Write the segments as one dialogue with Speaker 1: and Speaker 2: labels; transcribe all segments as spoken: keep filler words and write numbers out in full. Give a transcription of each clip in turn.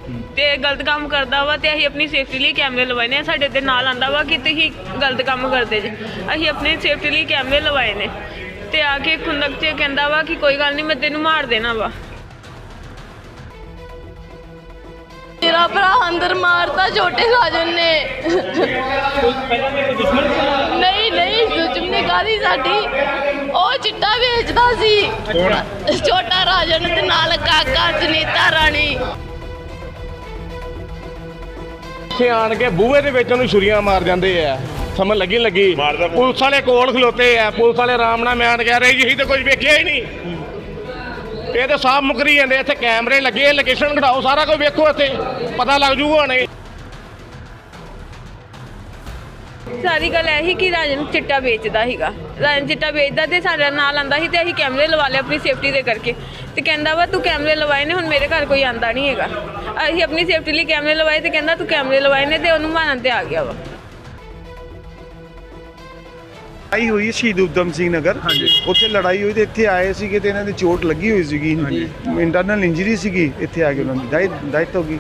Speaker 1: ਤੇ ਗਲਤ ਕੰਮ ਕਰਦਾ ਵਾ ਤੇ ਅਸੀਂ ਆਪਣੀ ਸੇਫਟੀ ਲਈ ਕੈਮਰੇ ਲਵਾਏ ਨੇ। ਸਾਡੇ ਤੇ ਨਾਲ ਆਂਦਾ ਵਾ ਕਿ ਤੁਸੀਂ ਗਲਤ ਕੰਮ ਕਰਦੇ ਜੇ, ਅਸੀਂ ਆਪਣੀ ਸੇਫਟੀ ਲਈ ਕੈਮਰੇ ਲਵਾਏ ਨੇ। ਤੇ ਆ ਕੇ ਖੁੰਦਕ 'ਚ ਕਹਿੰਦਾ ਵਾ ਕਿ ਕੋਈ ਗੱਲ ਨਹੀਂ ਮੈਂ ਤੈਨੂੰ ਮਾਰ ਦੇਣਾ ਵਾ।
Speaker 2: ਮੇਰਾ ਭਰਾ ਅੰਦਰ ਮਾਰਤਾ ਛੋਟੇ ਰਾਜਨ ਨੇ। ਨਹੀਂ ਨਹੀਂ ਦੁਸ਼ਮਣੀ ਕਾਹਦੀ ਸਾਡੀ, ਉਹ ਚਿੱਟਾ ਵੇਚਦਾ ਸੀ ਛੋਟਾ ਰਾਜਨ ਤੇ ਨਾਲ ਕਾਕਾ ਸੁਨੀਤਾ ਰਾਣੀ।
Speaker 3: ਇੱਥੇ ਆਣ ਕੇ ਬੂਹੇ ਦੇ ਵਿੱਚ ਉਹਨੂੰ ਛੁਰੀਆਂ ਮਾਰ ਜਾਂਦੇ ਆ, ਸਮਝ ਲੱਗੀ ਲੱਗੀ ਪੁਲਿਸ ਵਾਲੇ ਕੋਲ ਖਲੋਤੇ ਆ, ਪੁਲਿਸ ਵਾਲੇ ਆਰਾਮ ਨਾਲ ਮਿਆਨ ਕਹਿ ਰਹੇ ਜੀ ਅਸੀਂ ਤਾਂ ਕੁਝ ਵੇਖਿਆ ਹੀ ਨਹੀਂ। ਇਹ ਤਾਂ ਸਾਫ਼ ਮੁਕਰੀ ਜਾਂਦੇ, ਇੱਥੇ ਕੈਮਰੇ ਲੱਗੇ, ਲੋਕੇਸ਼ਨ ਘਟਾਓ, ਸਾਰਾ ਕੁਝ ਵੇਖੋ, ਇੱਥੇ ਪਤਾ ਲੱਗ ਜੂਗਾ ਹੁਣੇ।
Speaker 1: ਸਾਰੀ ਗੱਲ ਇਹੀ ਕਿ ਰਾਜਨ ਚਿੱਟਾ ਵੇਚਦਾ ਸੀਗਾ, ਰਾਜਨ ਚਿੱਟਾ ਵੇਚਦਾ ਤੇ ਸਾਡੇ ਨਾਲ ਆਂਦਾ ਸੀ ਤੇ ਅਸੀਂ ਕੈਮਰੇ ਲਵਾ ਲਏ ਆਪਣੀ ਸੇਫਟੀ ਦੇ ਕਰਕੇ। ਤੇ ਕਹਿੰਦਾ ਵਾ ਤੂੰ ਕੈਮਰੇ ਲਵਾਏ ਨੇ, ਹੁਣ ਮੇਰੇ ਘਰ ਕੋਈ ਆਂਦਾ ਨਹੀਂ ਹੈਗਾ। ਅਸੀਂ ਆਪਣੀ ਸੇਫਟੀ ਲਈ ਕੈਮਰੇ ਲਵਾਏ ਤੇ ਕਹਿੰਦਾ ਤੂੰ ਕੈਮਰੇ ਲਵਾਏ ਨੇ ਤੇ ਉਹਨੂੰ ਮਾਰਨ ਤੇ ਆ ਗਿਆ ਵਾ।
Speaker 4: ਲੜਾਈ ਹੋਈ ਸ਼ਹੀਦ ਊਧਮ ਸਿੰਘ ਨਗਰ, ਉੱਥੇ ਲੜਾਈ ਹੋਈ ਤੇ ਇੱਥੇ ਆਏ ਸੀਗੇ ਤੇ ਇਹਨਾਂ ਦੀ ਚੋਟ ਲੱਗੀ ਹੋਈ ਸੀਗੀ, ਇੰਟਰਨਲ ਇੰਜਰੀ ਸੀਗੀ, ਇੱਥੇ ਆ ਕੇ ਉਹਨਾਂ ਦੀ ਡੈਥ ਹੋ ਗਈ।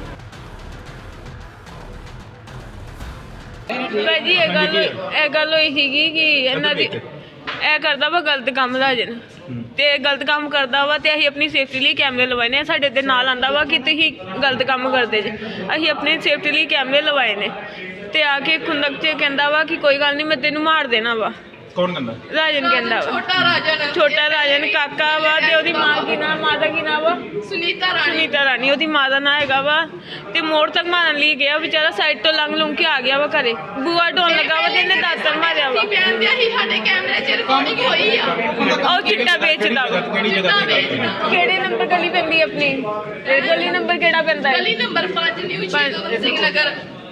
Speaker 1: ਭਾਜੀ ਇਹ ਗੱਲ ਇਹ ਗੱਲ ਹੋਈ ਸੀਗੀ ਕਿ ਇਹਨਾਂ ਦੀ ਇਹ ਕਰਦਾ ਵਾ ਗਲਤ ਕੰਮ ਰਾਜਨ, ਤੇ ਗਲਤ ਕੰਮ ਕਰਦਾ ਵਾ ਤੇ ਅਸੀਂ ਆਪਣੀ ਸੇਫਟੀ ਲਈ ਕੈਮਰੇ ਲਵਾਏ ਨੇ। ਸਾਡੇ ਤੇ ਨਾਲ ਆਂਦਾ ਵਾ ਕਿ ਤੁਸੀਂ ਗਲਤ ਕੰਮ ਕਰਦੇ ਜੇ, ਅਸੀਂ ਆਪਣੀ ਸੇਫਟੀ ਲਈ ਕੈਮਰੇ ਲਵਾਏ ਨੇ। ਤੇ ਆ ਕੇ ਖੁੰਦਕ 'ਚ ਕਹਿੰਦਾ ਵਾ ਕਿ ਕੋਈ ਗੱਲ ਨਹੀਂ ਮੈਂ ਤੈਨੂੰ ਮਾਰ ਦੇਣਾ ਵਾ।
Speaker 5: ਕੌਣ ਕਹਿੰਦਾ?
Speaker 1: ਰਾਜਨ ਕਹਿੰਦਾ ਵਾ।
Speaker 2: ਛੋਟਾ ਰਾਜਨ
Speaker 1: ਛੋਟਾ ਰਾਜਨ ਕਾਕਾ ਵਾ ਤੇ ਉਹਦੀ ਮਾਂ ਕੀ ਨਾਮ, ਮਾਂ ਦਾ ਕੀ ਨਾਮ ਵਾ?
Speaker 2: ਸੁਨੀਤਾ ਰਾਣੀ।
Speaker 1: ਸੁਨੀਤਾ ਰਾਣੀ ਉਹਦੀ ਮਾਂ ਦਾ ਨਾਂ ਹੈਗਾ ਵਾ। ਤੇ ਮੋੜ ਤੱਕ ਮਾਰਨ ਲਈ ਗਿਆ ਵਿਚਾਰਾ, ਸਾਈਡ ਤੋਂ ਲੰਘ ਲੁੰਘ ਕੇ ਆ ਗਿਆ ਵਾ ਘਰੇ, ਬੂਆ ਢੋਣ ਲੱਗਾ ਵਾ ਤੇ ਇਹਨੇ ਦਾਤਰ ਮਾਰਿਆ ਵਾ।
Speaker 2: ਕਹਿੰਦੇ ਅਸੀਂ ਸਾਡੇ ਕੈਮਰੇ 'ਚ ਰਿਕਾਰਡਿੰਗ ਹੋਈ ਆ।
Speaker 1: ਉਹ ਚਿੱਟਾ ਵੇਚਦਾ ਵਾ।
Speaker 5: ਕਿਹੜੀ ਜਗ੍ਹਾ ਤੇ ਗੱਲ?
Speaker 1: ਕਿਹੜੇ ਨੰਬਰ ਗਲੀ ਪੈਂਦੀ ਆਪਣੀ? ਇਹ ਗਲੀ ਨੰਬਰ ਕਿਹੜਾ ਪੈਂਦਾ ਹੈ?
Speaker 2: ਗਲੀ ਨੰਬਰ ਪੰਜ ਨਿਊ ਸ਼ਹੀਦ ਊਧਮ ਸਿੰਘ ਨਗਰ।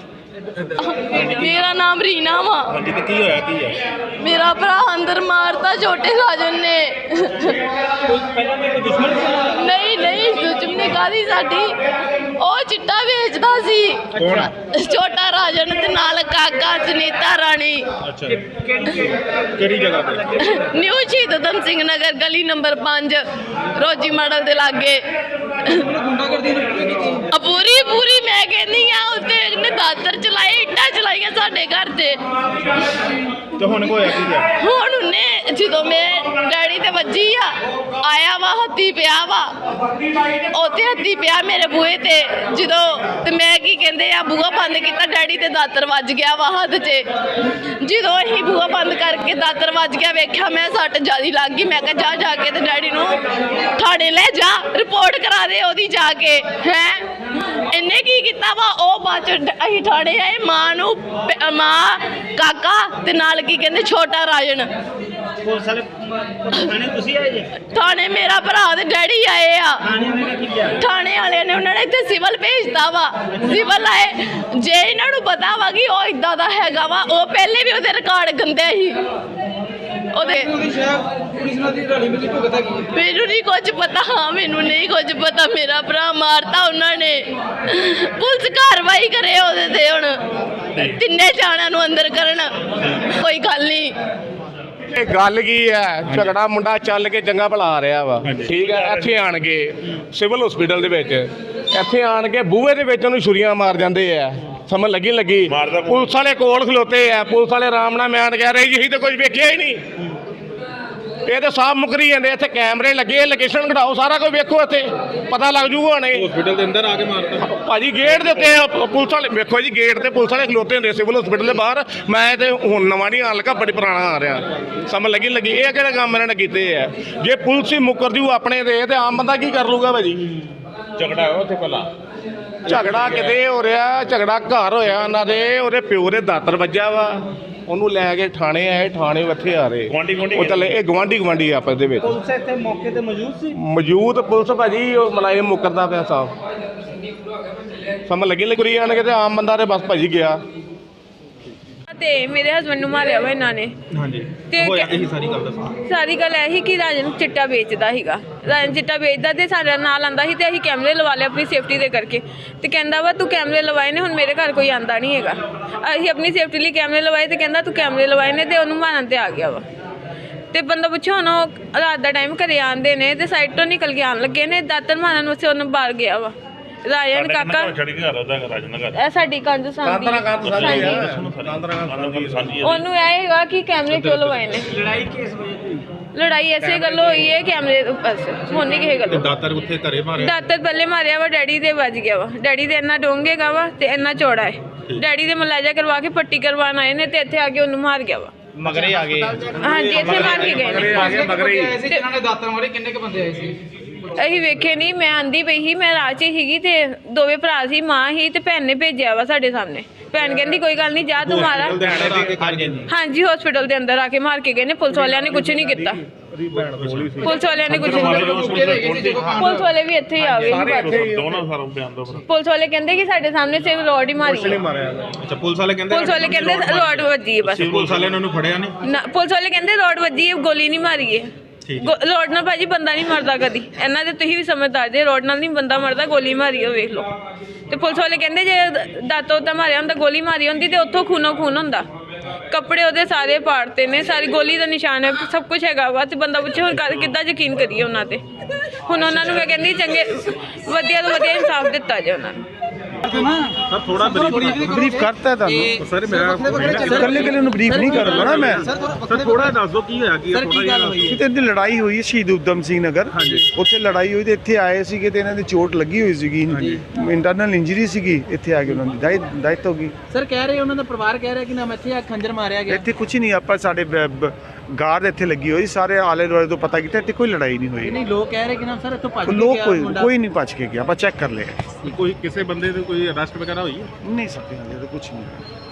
Speaker 2: ਮੇਰਾ ਨਾਮ ਰੀਨਾ ਵਾ।
Speaker 5: ਹਾਂਜੀ, ਤੇ ਕੀ ਹੋਇਆ ਕੀ ਹੈ?
Speaker 2: ਮੇਰਾ ਭਰਾ ਅੰਦਰ ਮਾਰਤਾ ਛੋਟੇ ਰਾਜਨ ਨੇ।
Speaker 5: ਪਹਿਲਾਂ ਮੇਰੇ ਦੁਸ਼ਮਣ ਸੀ?
Speaker 2: ਨਹੀਂ ਨਹੀਂ ਦੁਸ਼ਮਣੀ ਕਾਹਦੀ ਸਾਡੀ, ਉਹ ਚਿੱਟਾ ਵੇਚਦਾ ਸੀ
Speaker 5: ਕੌਣ?
Speaker 2: ਛੋਟਾ ਰਾਜਨ ਤੇ ਨਾਲ ਕਾਕਾ ਸੁਨੀਤਾ ਰਾਣੀ।
Speaker 5: ਅੱਛਾ, ਕਿਹੜੀ ਜਗ੍ਹਾ ਤੇ?
Speaker 2: ਨਿਊ ਸ਼ਹੀਦ ਊਧਮ ਸਿੰਘ ਨਗਰ ਗਲੀ ਨੰਬਰ ਪੰਜ ਰੋਜੀ ਮਾਡਲ ਦੇ ਲਾਗੇ। ਆ ਪੂਰੀ ਪੂਰੀ ਮੈਂ ਕਹਿੰਦੀ ਆ, ਉੱਤੇ ਇਹਨੇ ਦਾਤਰ ਚਲਾਏ, ਇੱਟਾਂ ਚਲਾਈਆਂ ਸਾਡੇ ਘਰ ਤੇ।
Speaker 5: ਤੇ ਹੁਣ ਹੋਇਆ ਕੀ ਹੈ?
Speaker 2: ਹੁਣ ਉਹਨੇ ਜਦੋਂ ਮੈਂ ਡੈਡੀ ਤੇ ਵੱਜੀ ਆ, ਆਇਆ ਵਾ ਹੱਥੀ ਪਿਆ ਵਾ, ਉੱਥੇ ਹੱਥੀ ਪਿਆ ਮੇਰੇ ਬੂਹੇ ਤੇ। ਜਦੋਂ ਤੇ ਮੈਂ ਕੀ ਕਹਿੰਦੇ ਆ ਬੂਹਾ ਬੰਦ ਕੀਤਾ, ਡੈਡੀ ਤੇ ਦਾਤਰ ਵੱਜ ਗਿਆ ਵਾ ਹੱਥ 'ਚ। ਜਦੋਂ ਅਸੀਂ ਬੂਹਾ ਬੰਦ ਕਰਕੇ ਦਾਤਰ ਵੱਜ ਗਿਆ, ਵੇਖਿਆ ਮੈਂ ਸੱਟ ਜ਼ਿਆਦੀ ਲੱਗ ਗਈ। ਮੈਂ ਕਿਹਾ ਜਾ ਜਾ ਕੇ ਤੇ ਡੈਡੀ ਨੂੰ ਥਾਣੇ ਲੈ ਜਾ, ਰਿਪੋਰਟ ਕਰਾ ਦੇ ਉਹਦੀ ਜਾ ਕੇ। ਹੈ ਇਹਨੇ ਕੀ ਕੀਤਾ ਵਾ, ਉਹ ਬਾਅਦ 'ਚ ਅਸੀਂ ਥਾਣੇ ਆਏ, ਮਾਂ ਨੂੰ ਮਾਂ ਕਾਕਾ ਤੇ ਨਾਲ ਕੀ ਕਹਿੰਦੇ ਛੋਟਾ ਰਾਜਨ।
Speaker 5: ਪੁਲਿਸ ਵਾਲੇ ਥਾਣੇ ਤੁਸੀਂ ਆਏ ਜੇ?
Speaker 2: ਥਾਣੇ ਮੇਰਾ ਭਰਾ ਤੇ ਡੈਡੀ ਆਏ ਆ। ਥਾਣੇ ਵਾਲਿਆਂ ਨੇ ਉਹਨਾਂ ਨੇ ਇੱਥੇ ਸਿਵਲ ਭੇਜਤਾ ਵਾ। ਸਿਵਲ ਆਏ, ਜੇ ਇਹਨਾਂ ਨੂੰ ਪਤਾ ਵਾ ਕਿ ਉਹ ਇਦਾਂ ਦਾ ਹੈਗਾ ਵਾ, ਉਹ ਪਹਿਲੇ ਵੀ ਉਹਦੇ ਰਿਕਾਰਡ ਗੰਦੇ ਸੀ ਉਹਦੇ। ਮੈਨੂੰ ਨਹੀਂ ਕੁਝ ਪਤਾ, ਹਾਂ ਮੈਨੂੰ ਨਹੀਂ ਕੁਝ ਪਤਾ। ਮੇਰਾ ਭਰਾ ਮਾਰਤਾ ਉਹਨਾਂ ਨੇ, ਪੁਲਿਸ ਕਾਰਵਾਈ ਕਰੇ ਉਹਦੇ ਤੇ। ਹੁਣ ਤਿੰਨੇ ਜਾਣਿਆਂ ਨੂੰ ਅੰਦਰ ਕਰਨ, ਕੋਈ ਗੱਲ ਨਹੀਂ।
Speaker 3: ਇਹ ਗੱਲ ਕੀ ਹੈ, ਝਗੜਾ ਮੁੰਡਾ ਚੱਲ ਕੇ ਚੰਗਾ ਭਲਾ ਆ ਰਿਹਾ ਵਾ, ਠੀਕ ਹੈ। ਇੱਥੇ ਆਣ ਕੇ ਸਿਵਲ ਹਸਪੀਟਲ ਦੇ ਵਿੱਚ, ਇੱਥੇ ਆਣ ਕੇ ਬੂਹੇ ਦੇ ਵਿੱਚ ਉਹਨੂੰ ਛੁਰੀਆਂ ਮਾਰ ਜਾਂਦੇ ਆ, ਸਮਝ ਲੱਗੀ ਲੱਗੀ ਪੁਲਿਸ ਵਾਲੇ ਕੋਲ ਖਲੋਤੇ ਆ, ਪੁਲਿਸ ਵਾਲੇ ਆਰਾਮ ਨਾਲ ਮਿਆਨ ਕਹਿ ਰਹੇ ਜੀ ਅਸੀਂ ਤਾਂ ਕੁਝ ਵੇਖਿਆ ਹੀ ਨਹੀਂ। ਇਹ ਤਾਂ ਸਾਫ਼ ਮੁਕਰੀ ਜਾਂਦੇ, ਇੱਥੇ ਕੈਮਰੇ ਲੱਗੇ, ਲੋਕੇਸ਼ਨ ਘਟਾਓ, ਸਾਰਾ ਕੁਝ ਵੇਖੋ, ਇੱਥੇ ਪਤਾ ਲੱਗ ਜੂਗਾ ਹੁਣੇ।
Speaker 5: ਹਸਪੀਟਲ ਦੇ ਅੰਦਰ ਆ ਕੇ ਮਾਰਦਾ
Speaker 3: ਭਾਜੀ ਗੇਟ ਦੇ ਉੱਤੇ ਪੁਲਿਸ ਵਾਲੇ ਵੇਖੋ ਜੀ, ਗੇਟ ਤੇ ਪੁਲਿਸ ਵਾਲੇ ਖਲੋਤੇ ਹੁੰਦੇ ਸਿਵਲ ਹਸਪੀਟਲ ਦੇ ਬਾਹਰ। ਮੈਂ ਤੇ ਹੁਣ ਨਵਾਂ ਨਹੀਂ ਆਣ ਲੱਗਾ, ਬੜੀ ਪੁਰਾਣਾ ਆ ਰਿਹਾ, ਸਮਝ ਲੱਗੀ ਲੱਗੀ ਇਹ ਕਿਹੜੇ ਕੰਮ ਇਹਨਾਂ ਨੇ ਕੀਤੇ ਆ। ਜੇ ਪੁਲਿਸ ਹੀ ਮੁੱਕਰ ਜੂ ਆਪਣੇ ਤੇ, ਤੇ ਆਮ ਬੰਦਾ ਕੀ ਕਰ ਲੂਗਾ ਭਾਜੀ?
Speaker 5: ਝਗੜਾ ਹੋਇਆ ਉੱਥੇ ਪਹਿਲਾਂ?
Speaker 3: ਝਗੜਾ ਕਿਤੇ ਹੋ ਰਿਹਾ, ਝਗੜਾ ਘਰ ਹੋਇਆ ਉਹਨਾਂ ਦੇ, ਉਹਦੇ ਪਿਓ ਦੇ ਦਾਤਰ ਵੱਜਾ ਵਾ, ਉਹਨੂੰ ਲੈ ਕੇ ਥਾਣੇ ਆਏ, ਥਾਣੇ ਇੱਥੇ ਆ ਰਹੇ
Speaker 5: ਗੁਆਂਢੀ ਗੁਆਂਢੀ
Speaker 3: ਉਹ ਚੱਲੇ, ਇਹ ਗਵਾਂਢੀ ਗਵਾਂਢੀ ਆਪਸ ਦੇ ਵਿੱਚ।
Speaker 5: ਪੁਲਿਸ ਇੱਥੇ ਮੌਕੇ ਤੇ ਮੌਜੂਦ ਸੀ?
Speaker 3: ਮੌਜੂਦ ਪੁਲਿਸ ਭਾਜੀ, ਉਹ ਮਲਾਇਮ ਮੁਕਰਦਾ ਪਿਆ ਸਾਹਿਬ, ਸਮਝ ਲੱਗੀ ਲੱਗੀ ਆਣ ਕੇ ਤੇ ਆਮ ਬੰਦਾ ਤੇ ਬਸ ਭਾਜੀ ਗਿਆ।
Speaker 1: ਤੇ ਮੇਰੇ ਹਸਬੰਡ ਨੂੰ ਮਾਰਿਆ ਵਾ ਇਹਨਾਂ ਨੇ।
Speaker 5: ਹਾਂਜੀ,
Speaker 1: ਤੇ
Speaker 5: ਹੋਇਆ ਕੀ ਸਾਰੀ ਗੱਲ ਦੱਸੋ?
Speaker 1: ਸਾਰੀ ਗੱਲ ਇਹੀ ਕਿ ਰਾਜਨ ਚਿੱਟਾ ਵੇਚਦਾ ਸੀਗਾ, ਰਾਜਨ ਚਿੱਟਾ ਵੇਚਦਾ ਤੇ ਸਾਡੇ ਨਾਲ ਆਂਦਾ ਸੀ ਤੇ ਅਸੀਂ ਕੈਮਰੇ ਲਵਾ ਲਏ ਆਪਣੀ ਸੇਫਟੀ ਦੇ ਕਰਕੇ। ਤੇ ਕਹਿੰਦਾ ਵਾ ਤੂੰ ਕੈਮਰੇ ਲਵਾਏ ਨੇ, ਹੁਣ ਮੇਰੇ ਘਰ ਕੋਈ ਆਂਦਾ ਨਹੀਂ ਹੈਗਾ। ਅਸੀਂ ਆਪਣੀ ਸੇਫਟੀ ਲਈ ਕੈਮਰੇ ਲਵਾਏ ਤੇ ਕਹਿੰਦਾ ਤੂੰ ਕੈਮਰੇ ਲਵਾਏ ਨੇ ਤੇ ਉਹਨੂੰ ਮਾਰਨ ਤੇ ਆ ਗਿਆ ਵਾ। ਤੇ ਬੰਦਾ ਪੁੱਛੋ, ਹੁਣ ਉਹ ਰਾਤ ਦਾ ਟਾਈਮ ਘਰੇ ਆਉਂਦੇ ਨੇ ਤੇ ਸਾਈਡ ਤੋਂ ਨਿਕਲ ਕੇ ਆਉਣ ਲੱਗੇ ਨੇ, ਦਾਤਰ ਮਾਰਨ ਵਾਸਤੇ ਉਹਨੂੰ ਬਾਹਰ ਗਿਆ ਵਾ। ਰਾਜਨ ਕਾਕਾ
Speaker 5: ਛੜੀ ਘਰ ਉਹਦਾ ਰਾਜਨ ਦਾ ਘਰ
Speaker 1: ਇਹ ਸਾਡੀ ਕੰਧ ਸਾਂਝੀ
Speaker 3: ਕਾਂਤਰਾ ਕਾਂਤ ਸਾਂਝੀ
Speaker 1: ਹਾਂਜੀ।
Speaker 3: ਆ।
Speaker 5: ਸਾਂਝੀ ਸਾਂਝੀ ਹੈ
Speaker 1: ਉਹਨੂੰ ਇਹ ਹੈਗਾ ਕਿ ਕੈਮਰੇ ਕਿਉਂ ਲਵਾਏ ਨੇ
Speaker 6: ਲੜਾਈ ਕਿਸ ਵਜ੍ਹਾ ਤੋਂ ਹੋਈ?
Speaker 1: ਲੜਾਈ ਐਸੇ ਗੱਲੋਂ ਹੋਈ ਹੈ ਕੈਮਰੇ ਬਸ ਹੁਣ ਨਹੀਂ ਕਿਸੇ ਗੱਲੋਂ।
Speaker 5: ਦਾਤਰ ਉੱਥੇ ਘਰੇ ਮਾਰਿਆ
Speaker 1: ਦਾਤਰ ਪਹਿਲੇ ਮਾਰਿਆ ਵਾ ਡੈਡੀ ਦੇ ਵੱਜ ਗਿਆ ਵਾ ਡੈਡੀ ਦੇ ਇੰਨਾ ਡੋਂਗੇਗਾ ਵਾ ਤੇ ਇੰਨਾ ਚੌੜਾ ਹੈ ਡੈਡੀ ਦੇ ਮਲਾਜਾ ਕਰਵਾ ਕੇ ਪੱਟੀ ਕਰਵਾਉਣ ਆਏ ਨੇ ਤੇ ਇੱਥੇ ਆ ਕੇ ਉਹਨੂੰ ਮਾਰ ਗਿਆ ਵਾ
Speaker 6: ਮਗਰੇ ਆ ਗਏ
Speaker 1: ਹਾਂਜੀ ਇੱਥੇ ਮਾਰ ਕੇ ਗਏ ਨੇ
Speaker 3: ਆ ਗਿਆ ਮਗਰੇ ਹੀ।
Speaker 6: ਸੀ ਜਿਨ੍ਹਾਂ ਨੇ ਦਾਤਰ ਮਾਰੇ ਕਿੰਨੇ ਕ ਬੰਦੇ ਆਏ ਸੀ?
Speaker 1: ਅਸੀਂ ਵੇਖੇ ਨਹੀਂ ਮੈਂ ਆਂਦੀ ਪਈ ਸੀ ਮੈਂ ਰਾਹ 'ਚ ਸੀਗੀ ਤੇ ਦੋਵੇਂ ਭਰਾ ਸੀ ਮਾਂ ਹੀ ਤੇ ਭੈਣ ਨੇ ਭੇਜਿਆ ਵਾ ਸਾਡੇ ਸਾਹਮਣੇ ਭੈਣ ਕਹਿੰਦੀ ਕੋਈ ਗੱਲ ਨਹੀਂ ਜਾ ਤੂੰ ਮਾਰਾ ਹਾਂਜੀ ਹਸਪੀਟਲ ਦੇ ਅੰਦਰ ਆ ਕੇ ਮਾਰ ਕੇ ਗਏ ਨੇ ਪੁਲਿਸ ਵਾਲਿਆਂ ਨੇ ਕੁਝ ਨਹੀਂ ਕੀਤਾ ਪੁਲਿਸ ਵਾਲਿਆਂ ਨੇ ਕੁਝ ਨਹੀਂ ਕੀਤਾ ਪੁਲਿਸ ਵਾਲੇ ਵੀ ਇੱਥੇ ਹੀ ਆ ਗਏ ਸੀ ਬਾਅਦ 'ਚ।
Speaker 5: ਦੋਨੋਂ ਸਾਰੋਂ ਬਿਆਨ ਦੋ
Speaker 1: ਪੁਲਿਸ ਵਾਲੇ ਕਹਿੰਦੇ ਕਿ ਸਾਡੇ ਸਾਹਮਣੇ ਸਿਰਫ ਰੋਡ ਹੀ ਮਾਰੀ ਹੈ।
Speaker 5: ਅੱਛਾ ਪੁਲਿਸ ਵਾਲੇ ਕਹਿੰਦੇ
Speaker 1: ਪੁਲਿਸ ਵਾਲੇ ਕਹਿੰਦੇ ਰੋਡ ਵੱਜੀ ਹੈ ਬਸ
Speaker 5: ਪੁਲਿਸ ਵਾਲਿਆਂ ਨੇ ਉਹਨੂੰ ਫੜਿਆ ਨਹੀਂ
Speaker 1: ਨਾ ਪੁਲਿਸ ਵਾਲੇ ਕਹਿੰਦੇ ਰੋਡ ਵੱਜੀ ਹੈ ਗੋਲੀ ਨਹੀਂ ਮਾਰੀ ਹੈ ਗੋ- ਰੋਡ ਨਾਲ ਭਾਜੀ ਬੰਦਾ ਨਹੀਂ ਮਰਦਾ ਕਦੀ ਇਹਨਾਂ ਦੇ ਤੁਸੀਂ ਵੀ ਸਮਝਦਾਰ ਜੇ ਰੋਡ ਨਾਲ ਨਹੀਂ ਬੰਦਾ ਮਰਦਾ ਗੋਲੀ ਮਾਰੀ ਹੋ ਵੇਖ ਲਓ ਤੇ ਪੁਲਿਸ ਵਾਲੇ ਕਹਿੰਦੇ ਜੇ ਦਾਤੋਂ ਤਾਂ ਮਾਰਿਆ ਹੁੰਦਾ ਗੋਲੀ ਮਾਰੀ ਹੁੰਦੀ ਤੇ ਉੱਥੋਂ ਖੂਨੋ ਖੂਨ ਹੁੰਦਾ ਕੱਪੜੇ ਉਹਦੇ ਸਾਰੇ ਪਾੜਤੇ ਨੇ ਸਾਰੀ ਗੋਲੀ ਦਾ ਨਿਸ਼ਾਨ ਹੈ ਸਭ ਕੁਝ ਹੈਗਾ ਵਾ ਤੇ ਬੰਦਾ ਪੁੱਛੇ ਹੁਣ ਕਰ- ਕਿੱਦਾਂ ਯਕੀਨ ਕਰੀਏ ਉਹਨਾਂ ਤੇ ਹੁਣ ਉਹਨਾਂ ਨੂੰ ਮੈਂ ਕਹਿੰਦੀ ਚੰਗੇ ਵਧੀਆ ਤੋਂ ਵਧੀਆ ਇਨਸਾਫ ਦਿੱਤਾ ਜੇ ਉਹਨਾਂ ਨੂੰ
Speaker 5: ਸਰ ਥੋੜਾ
Speaker 4: ਬਰੀਫ ਕਰਤਾ ਤੁਹਾਨੂੰ
Speaker 5: ਸਰ ਮੇਰਾ
Speaker 4: ਇਕੱਲੇ ਇਕੱਲੇ ਨੂੰ ਬਰੀਫ ਨਹੀਂ ਕਰਦਾ ਨਾ ਮੈਂ
Speaker 5: ਸਰ ਥੋੜਾ ਦੱਸ ਦਿਓ ਕੀ ਹੋਇਆ ਕੀ ਥੋੜਾ ਜਿਹਾ
Speaker 4: ਕਿਤੇ ਦੀ ਲੜਾਈ ਹੋਈ ਹੈ ਸ਼ਹੀਦ ਊਧਮ ਸਿੰਘ ਨਗਰ ਉੱਥੇ ਲੜਾਈ ਹੋਈ ਤੇ ਇੱਥੇ ਆਏ ਸੀਗੇ ਤੇ ਇਹਨਾਂ ਦੀ ਚੋਟ ਲੱਗੀ ਹੋਈ ਸੀਗੀ ਇੰਟਰਨਲ ਇੰਜਰੀ ਸੀਗੀ ਇੱਥੇ ਆ ਕੇ ਉਹਨਾਂ ਦੀ ਡੈਥ ਹੋ ਗਈ
Speaker 6: ਸਰ ਕਹਿ ਰਹੇ ਉਹਨਾਂ ਦਾ ਪਰਿਵਾਰ ਕਹਿ ਰਿਹਾ ਕਿ ਨਾ ਇੱਥੇ ਆ ਖੰਜਰ ਮਾਰਿਆ ਗਿਆ।
Speaker 4: ਇੱਥੇ ਕੁਝ ਨਹੀਂ ਆਪਾਂ ਸਾਡੇ ਗਾਰਡ ਇੱਥੇ ਲੱਗੀ ਹੋਈ ਸਾਰੇ ਆਲੇ ਦੁਆਲੇ ਤੋਂ ਪਤਾ ਕੀਤਾ ਇੱਥੇ ਕੋਈ ਲੜਾਈ ਨਹੀਂ ਹੋਈ
Speaker 6: ਨਹੀਂ ਲੋਕ ਕਹਿ ਰਹੇ ਕਿ ਨਾ ਸਰ ਇੱਥੋਂ ਭੱਜ ਕੇ
Speaker 4: ਲੋਕ
Speaker 6: ਗਿਆ
Speaker 4: ਕੋਈ
Speaker 6: ਮੁੰਡਾ।
Speaker 4: ਕੋਈ ਨਹੀਂ ਭੱਜ ਕੇ ਗਿਆ ਆਪਾਂ ਚੈੱਕ ਕਰ ਲਿਆ
Speaker 5: ਕੋਈ ਕਿਸੇ ਬੰਦੇ ਦੇ ਕੋਈ ਅਰੈਸਟ ਵਗੈਰਾ ਹੋਈ ਹੈ
Speaker 4: ਨਹੀਂ ਸਕਦੇ ਹਾਲੇ ਤਾਂ ਕੁਝ ਨਹੀਂ